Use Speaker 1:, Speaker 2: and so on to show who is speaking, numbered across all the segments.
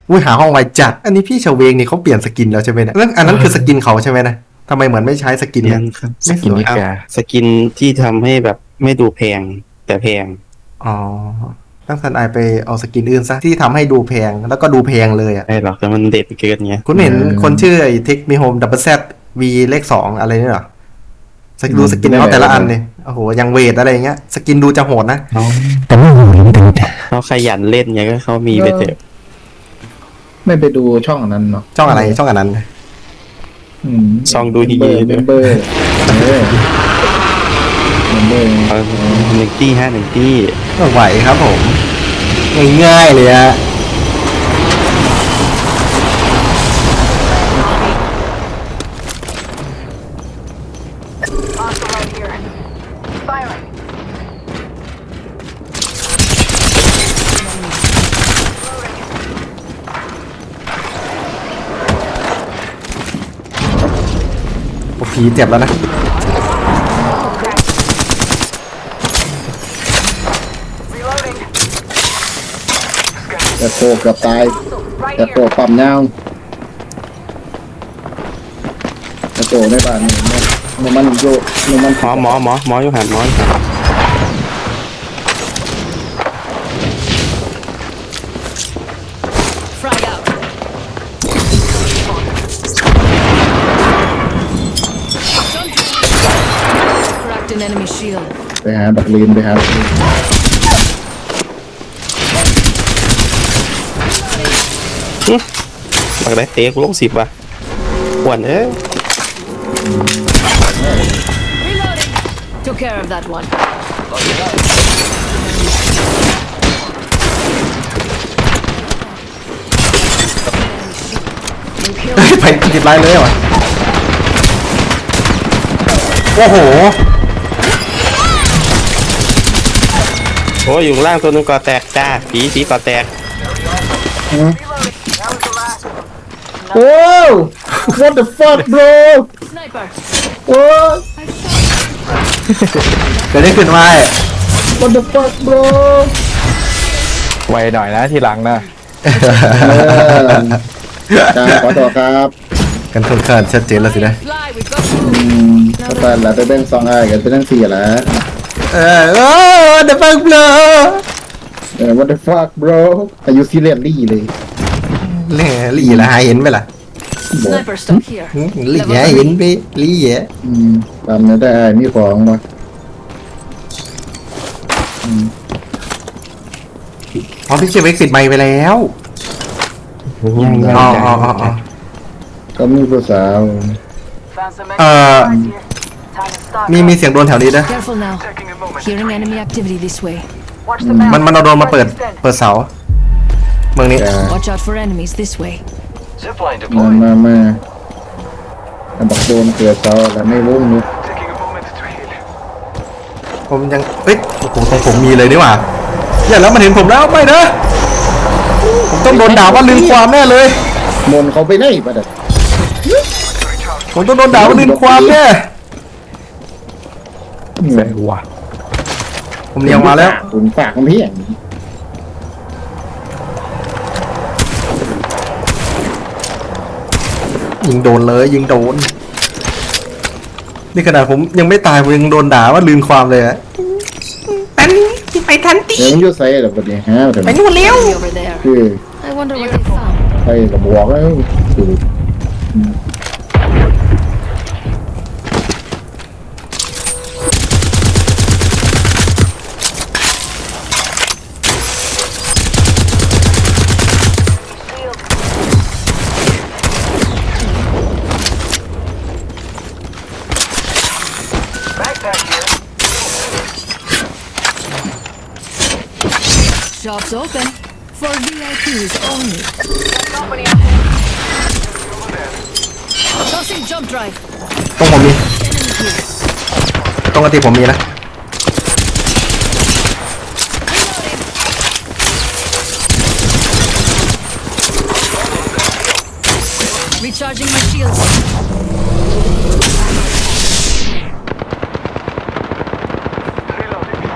Speaker 1: อุ้ยหาห้องไวจัดอันนี้พี่เฉวงนี่เขาเปลี่ยนสกินแล้วใช่ไหมเนี่ยอันนั้นคือสกินเขาใช่ไหมนะทำไมเหมือนไม่ใช้สกินเนี่ย
Speaker 2: ยังครับส
Speaker 1: ไม่
Speaker 2: กิ
Speaker 1: ส
Speaker 2: น
Speaker 1: วย
Speaker 2: นิกาสกินที่ทำให้แบบไม่ดูแพงแต่แพง
Speaker 1: อ๋อตั้งสันไอไปเอาสกินอื่นซะที่ทำให้ดูแพงแล้วก็ดูแพงเลยอ่ะ
Speaker 2: ใช่หรอกแต่มันเด็ดเกินไง
Speaker 1: คุณเห็นคนชื่อไอ้เทคมีโฮมดับเบิลแซดวีเลขสองอะไรนี่เหรอดูสกินเขาแต่ละอันเนี่ยโอ้โหยังเวทอะไรอย่างเงี้ยสกินดูจะโหดนะ
Speaker 3: แต่ไม่โหดไม่ถึงแต่
Speaker 2: เขาขยันเล่นไงก็เขามีไปเถอะ
Speaker 4: ไม่ไปดูช่องอันนั้นเนาะ
Speaker 1: ช่องอะไรช่องอันนั้น
Speaker 2: ซองดูดี
Speaker 4: เม
Speaker 2: เลย
Speaker 4: มเบอร์เมมเบอร์
Speaker 2: เอาหนึ่งตี้หนึ่งตี้
Speaker 1: ก็ไหวครับผมง่ายๆเลยฮะ
Speaker 5: Hostile right here. Firing.
Speaker 1: โอ้ผีเจ็บแล้วนะ
Speaker 5: Reloading.
Speaker 4: แต่โตเกือบตาย
Speaker 5: Right
Speaker 4: แต่โต
Speaker 5: here.
Speaker 4: ปั๊มยาวแต่โตในบ้านนี่มันโยมัน
Speaker 2: หมออยู่หันหมออยู่หัน
Speaker 6: Frag out. Cracked an enemy shield.
Speaker 4: ไปหาบักลีนไปหาบักลีน
Speaker 2: บักได้เตะกูลง10 ว่ะอ้วน
Speaker 6: Reloading. Took care of that one.
Speaker 1: ไปติดไลน์เลยเหรอโอ้โห
Speaker 2: โอ้ยอยู่ข้างล่างตัวนึงก่อแตกจ้าผีก่อแตก
Speaker 4: โอ้ what the fuck bro
Speaker 6: Sniper.
Speaker 4: โอ้
Speaker 1: เกิดได้ขึ้นมา
Speaker 4: what the fuck bro
Speaker 3: ไวหน่อยนะทีหลังนะ
Speaker 4: ครับขอตัวครับ
Speaker 1: กันค่อนข้างชัดเจนแล้วสินะ
Speaker 6: Fly. We've got
Speaker 4: ก็แต่ละไปเบ่งซองไอ้กันไปทั้ง4แล้ว
Speaker 1: โอ้เดฟังเบลอ
Speaker 4: what the fuck bro อายุซีเรียสลี่เลย
Speaker 1: แหล่ลี่ละหาเห็นไปล่ะ
Speaker 6: sniper stuck here.
Speaker 1: ลี่หาเห็นไปลี่แย่
Speaker 4: ตามนี้ได้มีของมา
Speaker 1: อ๋อพี่เชฟเอ็กซ์ติดไมค์ไปแล้ว
Speaker 2: ย่าง
Speaker 1: อ๋อ
Speaker 2: ๆ
Speaker 1: อ๋ออ๋ออ๋อ
Speaker 4: ก็มีผู้สาว
Speaker 5: Found some
Speaker 1: Uh,
Speaker 5: extra supplies here. Time to stock
Speaker 1: มี
Speaker 5: up.
Speaker 1: เสียงโดนแถวนี้ด้วย
Speaker 6: Careful now. Hearing enemy activity this way.
Speaker 5: Watch the
Speaker 1: มันเอาโดนมาเปิด
Speaker 5: Extend.
Speaker 1: เสาเมืองนี้
Speaker 4: จะ
Speaker 6: Watch out for enemies this way.
Speaker 7: Zipline
Speaker 4: มา
Speaker 7: deployed.
Speaker 4: มาบักโดนเกิดเสาแล้วไม่รู้นี่
Speaker 7: Taking a moment to heal.
Speaker 1: ผมยังเอ้ยโอ้โหตรงผมมีเลยนี่หว่าอย่าแล้วมันเห็นผมแล้วไม่นะผมต้องโดนด่าว่าลืมความแน่เลย
Speaker 4: มนเขาไปไหนปะเด็ก
Speaker 1: ผมต้องโดนด่าว่าลืมความแน่
Speaker 3: ใส่หัว
Speaker 1: ผมเลี้ยงมาแล้ว
Speaker 4: ผมฝากมันเพี้ยง
Speaker 1: ยิงโดนเลยยิงโดนนี่ขนาดผมยังไม่ตายผมยังโดนด่าว่าลืมความเลยอะไปทันตี
Speaker 4: เดี๋ยวมันอยุ่ใส่แบบนี้ฮะแต่
Speaker 1: ไปนู่นเร็ว
Speaker 6: Enemy over there.
Speaker 4: คือ
Speaker 6: I wonder what they found.
Speaker 4: ไปกับบอกแล้วคือ
Speaker 7: Backpack here.
Speaker 6: Shops open for VIPs only.
Speaker 5: Company.
Speaker 6: Tossing jump drive.
Speaker 1: ตรงผมมี
Speaker 6: Enemy here.
Speaker 1: ตรงกติผมมีนะ
Speaker 6: Recharging my shields.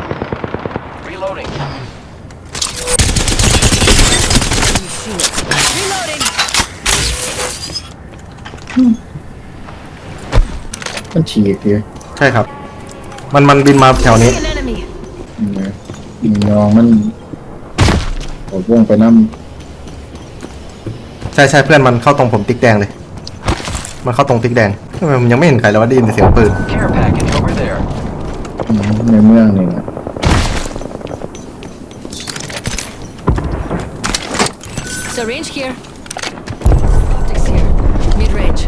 Speaker 7: Reloading. Reloading.
Speaker 6: Enemy shield. Reloading.
Speaker 4: มันฉีกเลย
Speaker 1: ใช่ครับ มันบินมาแถวนี้
Speaker 6: See an enemy.
Speaker 4: ยิงยองมันโอ้วงไปน้
Speaker 1: ใช่ใช่เพื่อนมันเข้าตรงผมติ๊กแดงเลย มันเข้าตรงติ๊กแดงทำไมมันยังไม่เห็นใครแล้วว่าได้ยินแต่เสียงปืน
Speaker 7: Care package over there.
Speaker 4: ำในเมืองนี่นะ
Speaker 6: Syringe here. Optics here. Mid range.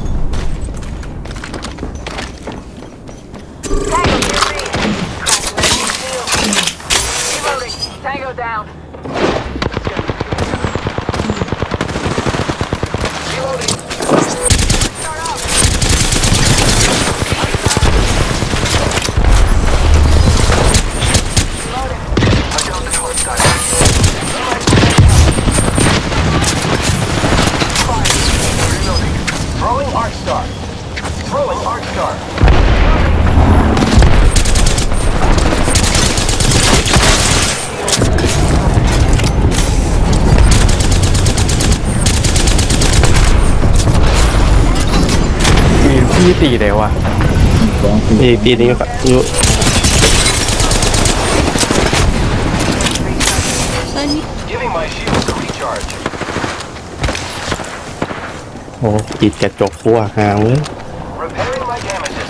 Speaker 5: Tango near me. Reloading. Tango down. Reloading. Start off. Reloading.
Speaker 7: I down the torch side. Reloading. Throwing Arc Star. Throwing Arc Star.
Speaker 3: พี่ตีเลยวะ
Speaker 4: 2 4
Speaker 2: ปีนี้ก็อยู่
Speaker 7: Giving my shields a recharge.
Speaker 2: โอ้ติดกระจกฟัวหางเลย
Speaker 7: Repairing my damages.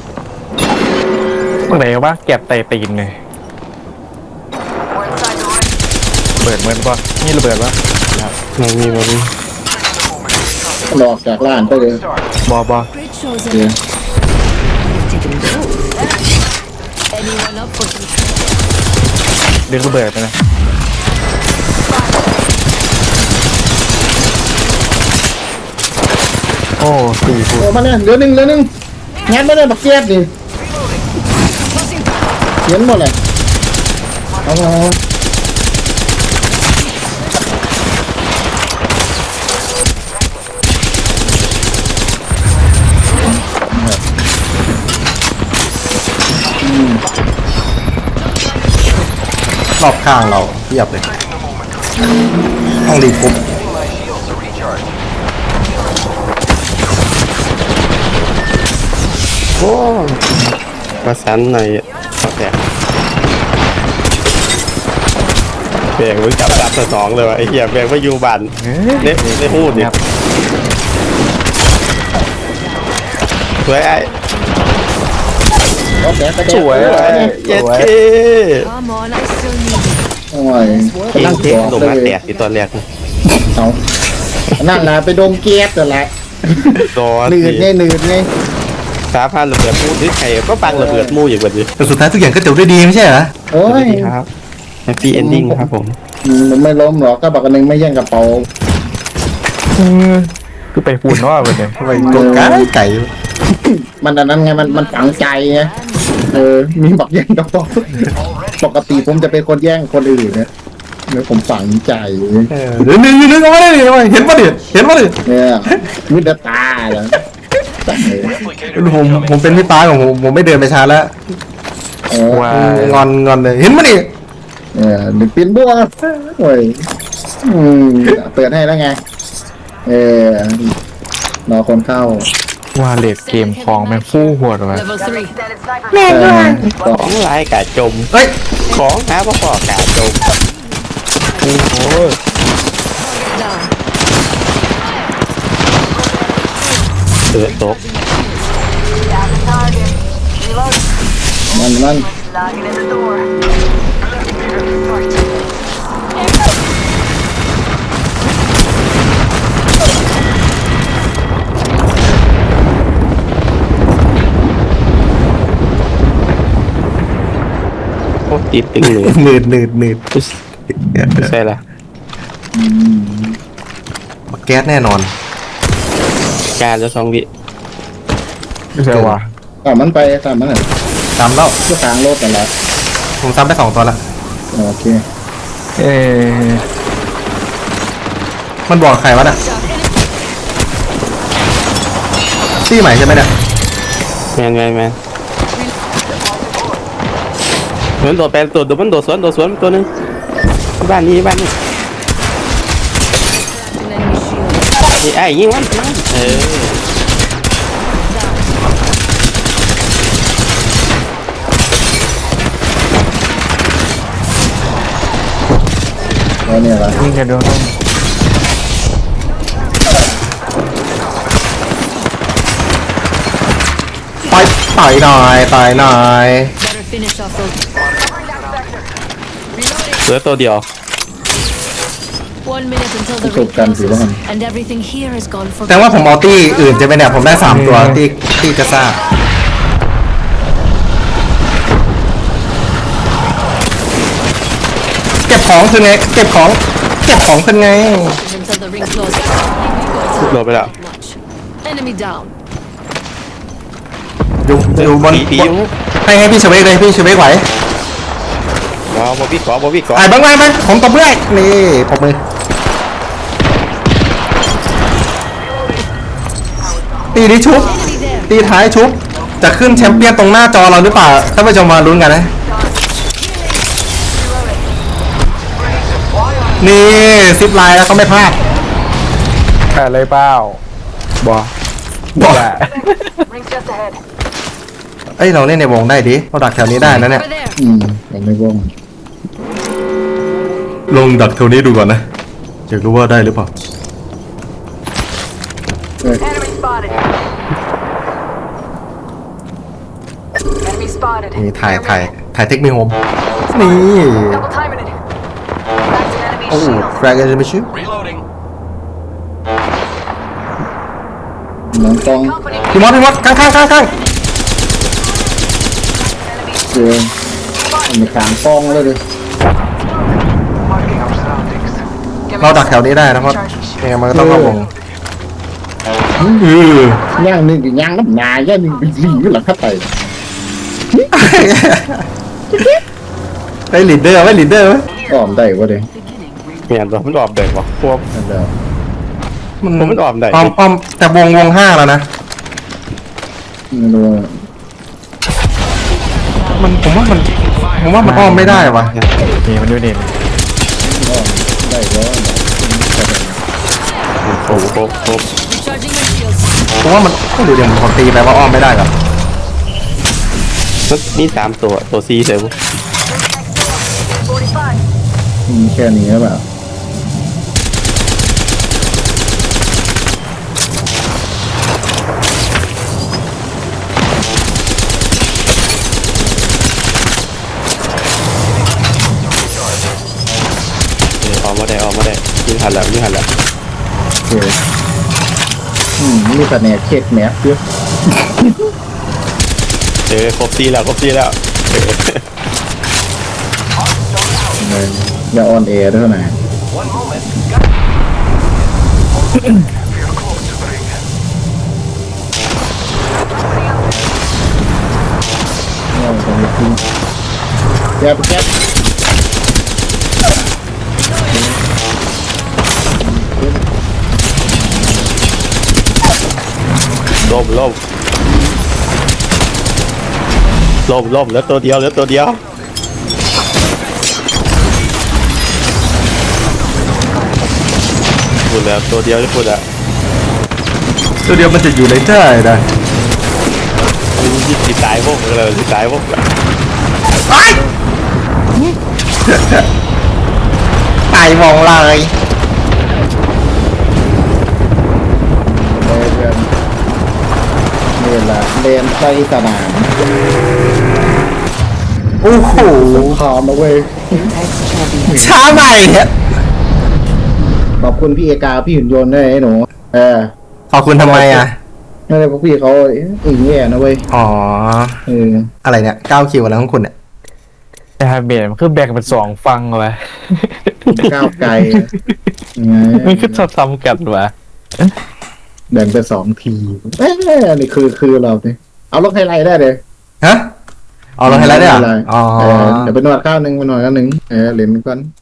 Speaker 3: เมื่อไหร่วะแก็บไตตีนเลย
Speaker 5: We're inside the ring.
Speaker 3: เบิดเหมือนป่ะนี่ระเบิดวะ
Speaker 2: มันมี
Speaker 4: หลอกจากร้านไปเลย
Speaker 7: Star.
Speaker 3: บอบอ
Speaker 6: Great shows.
Speaker 4: เดี๋ยว
Speaker 6: Taking note. Anyone up for some?
Speaker 3: เรียกระเบิดไปนะ โอ้สี่ฟุต
Speaker 4: โอ้มาเนี่ยเหลือหนึ่งงานมาเนี่ยบักเก็ตดิ
Speaker 6: Tossing.
Speaker 4: เขียนหมดเลยเอา
Speaker 1: รอบข้างเราเทียบเลย ต้องรีบปุ๊บ
Speaker 7: Giving my shields a recharge.
Speaker 2: โอ้ประสานในขอแตกแบงไว้จับสนองเลยวะไอ้เหี้ยแบงไว้อยู่บ้านเน็บได้พูดดิสวยไอ้
Speaker 4: เอาแผลไป
Speaker 3: สวย
Speaker 2: เย็ดเค
Speaker 6: Come on, I still need it.
Speaker 4: โอ้ย
Speaker 2: เอง
Speaker 4: นั่ง
Speaker 2: เท
Speaker 4: ก
Speaker 2: ค
Speaker 4: อด
Speaker 2: ลง
Speaker 4: เล
Speaker 2: มาย แตกที่ตอนแรกนะ
Speaker 4: เอานั่นแหละไปดมเกียร์แต่นแหละ
Speaker 2: ตอน
Speaker 4: หนืดไงหนืดไง
Speaker 2: สาพานระเบิดมูที่ใครก็ฟังระเบิดมูอย่างแบบนี้
Speaker 1: แต่สุดท้ายทุกอย่างก็จบด้วยดีไม่ใช่เหรอ
Speaker 4: โอ้ย
Speaker 2: ครับแฮปปี้เอนดิ้งครับผม
Speaker 4: มันไม่ล้มหรอกก็บอกกันหนึ่งไม่แย่งกระเป๋า
Speaker 3: คือไปปูนว่าไปเลย
Speaker 1: ทำไมโกงไก่
Speaker 4: มันอันนั้นไงมันฝังใจไงมีบอกแย่งกระเป๋าปกติผมจะเป็นคนแย่งคนอื่นนะแล้วผมฝังใจ
Speaker 1: เดี๋ยวนึกเอาไว้ดิเห็นปะดิ
Speaker 4: เนี่ยมิดตาเหรอ
Speaker 7: Replicator
Speaker 1: ผมเป็นพี่ป้าของผมไม่เดินไปช้าแล้ว
Speaker 3: ว้าง
Speaker 1: อนเลยเห็นปะดิ
Speaker 4: หรือปีนบัวโอ้ยเปิดให้แล้วไงรอคนเข้า
Speaker 3: ว่าเลดเกมของแม่งฟู่หัวเลย
Speaker 6: Level 3.
Speaker 5: Extended sniper.
Speaker 2: ของลายกาจม
Speaker 1: เฮ้ย
Speaker 2: ของหาพ่อกาจมโอ้โห
Speaker 6: Down.
Speaker 2: เสือตก
Speaker 5: Down the target. Reloading.
Speaker 4: มัน
Speaker 5: Logging in the door.
Speaker 2: โอ้ติดตึงเลย
Speaker 1: หนืด
Speaker 2: ไม่ใช่ละ
Speaker 1: แก๊สแน่นอน
Speaker 2: การจะ2 วิ
Speaker 3: ไม่ใช่ว่ะ
Speaker 4: มันไปตามมันอ่ะ
Speaker 1: ตามแล้ว
Speaker 4: ก็ทางรถแต่นแหละ
Speaker 1: ผมซ้ำไป2 ตัวละ
Speaker 4: โอเค
Speaker 3: เออ
Speaker 1: มันบอกใครวะน่ะตี้ใหม่ใช่ไหมเนี่ย
Speaker 2: แมนเหมือนโดดแปลงตัวมันโดดสวนตัวนึงบ้านนี้ไอ้ยิงมันเออ
Speaker 4: แล้วเนี่ยละ
Speaker 3: ยิงกันโดน
Speaker 1: ไปต่อยหน่อยต่อยหน่อย
Speaker 6: Better finish off those.
Speaker 2: เหลือตัวเดียว
Speaker 6: 1 minute until the
Speaker 4: ประส
Speaker 6: ring
Speaker 4: บการณ์ถือว่า
Speaker 6: closes, and everything here is gone for
Speaker 1: แต่ว่าผมเอาตี้อื่นจะไปเนี่ยผมได้3ตัวตี้กระซ่าเก็บของคือไงเก็บของคือไง
Speaker 6: until the ring closes.
Speaker 2: โดนไปแล้ว
Speaker 6: Much. Enemy down.
Speaker 1: อยู่บน
Speaker 2: ผีอยู่
Speaker 1: ให้พี่เฉวกเลยพี่เฉวกไหว
Speaker 2: ว้าวบอบี้ก่อบอบี้ก่อ
Speaker 1: ไอ้บ้างผมตบเมื่อยนี่ปรบมือตีนี้ชุบ
Speaker 6: Enemy there.
Speaker 1: ตีท้ายชุบจะขึ้นแชมเปี้ยนตรงหน้าจอเราหรือเปล่าท่านผู้ชมมาลุ้นกันนะนี่ซิปไลน์แล้วเขาไม่พลาด
Speaker 3: แปดเลยเปล่าบอ
Speaker 1: บอก
Speaker 3: แหละ
Speaker 5: Ring just ahead.
Speaker 1: เอ้ยเราเล่นในวงได้ดิเราดักแถวนี้ได้นะเนี่ย
Speaker 6: Over there.
Speaker 4: ยังไม่ว่อง
Speaker 1: ลงดักแถวนี้ดูก่อนนะอยากรู้ว่าได้หรือเปล่า
Speaker 5: Enemy spotted. Enemy spotted.
Speaker 1: นี่ถ่ายเทคนิคโฮมนี่
Speaker 5: Double timing it. Back to enemy
Speaker 1: โอ้
Speaker 5: shield.
Speaker 1: แฟร์กันจะไม่ชิว
Speaker 7: Reloading.
Speaker 4: น้องกอง
Speaker 5: Company
Speaker 1: พี่มอสข้าง
Speaker 5: enemy
Speaker 4: เจอมันมีขางกองเลยเลย
Speaker 5: marking our surroundings. Give
Speaker 1: เรา
Speaker 5: me
Speaker 1: ดักแถวนี้ได้นะเพราะยังไงมันก็ต้องเข้าวง
Speaker 4: ย่างหนึ่งกับย่างน้ำนายย่างหนึ่งเป็นหลีหลังข้าไต
Speaker 1: ไอ้ลีดเดอร์ไว้ลีดเดอร์ไว้
Speaker 4: อ้อมได้วะเด้
Speaker 2: เมียนตัวมันออกเด็กวะพวก
Speaker 4: นั่นแหละ
Speaker 2: มันออมได้
Speaker 1: อ้อมแต่วงห้าแล้วนะ
Speaker 4: ไม่รู้ว่า
Speaker 1: ผมว่ามันอ้อมไม่ได้วะ
Speaker 3: นี่มันดูนี่
Speaker 4: อ้อมได้แล้ว
Speaker 2: โอ้โห
Speaker 6: Recharging my shields.
Speaker 1: ผมว่ามันไม่รู้เดี๋ยวผมตีไปว่าอ้อมไม่ได้หรอ
Speaker 2: นี่3ตัวซีเซล
Speaker 5: 45.
Speaker 4: แค่นี้หรือเปล่า
Speaker 2: ออกมาได้ยิงหันแล้ว
Speaker 4: โอเคมีแต่แหนกเค้กแหนกเยอะ
Speaker 2: ครบซีแล้ว
Speaker 4: เลยอย่าออนแอร์ด้วยนะ
Speaker 7: One moment.
Speaker 4: เนี่ยมันจะมีทิ้งแก๊บแก๊บ
Speaker 2: ล่มแล้วตัวเดียวพูดแล้วตัวเดียวจะพูดอ่ะ
Speaker 1: ตัวเดียวมันจะอยู่ในใจนะ
Speaker 2: ติดตายพวกเลยติดตายพวก
Speaker 1: ตายวงเลย
Speaker 4: เลยเพื่อนนี่แหละเลนไซสนาม
Speaker 1: โอ้โห
Speaker 4: พร้อมนะเว้ย
Speaker 1: ช้าใหม่เนี่ย
Speaker 4: ขอบคุณพี่เอกาพี่หุ่นยนต์ด้วยไอ้หนูเออ
Speaker 1: ขอบคุณทำไมอ่ะ
Speaker 4: นั่นเลยพวกพี่เขาอึ่งแย่นะเว้ย
Speaker 1: อ๋อ
Speaker 4: เออ
Speaker 1: อะไรเนี่ย9คิวอะไรของคุณเนี่ย
Speaker 3: แต่เบียดมันคือแบ่งเป็น2ฟังวะ
Speaker 4: ก้าวไกล
Speaker 3: มันคือซ้ำๆกันวะ
Speaker 4: แบ่งเป็น2 ทีเอ้ยนี่คือเราเนี่ยเอาลงไฮไลท์ได้เลย
Speaker 1: ฮะเอาลงให้แล้วเนี่ยเหรออ๋อ
Speaker 4: เดี๋ยวไปนวดข้าวหนึ่งไปนวดข้าวหนึ่งเหรียญก่อน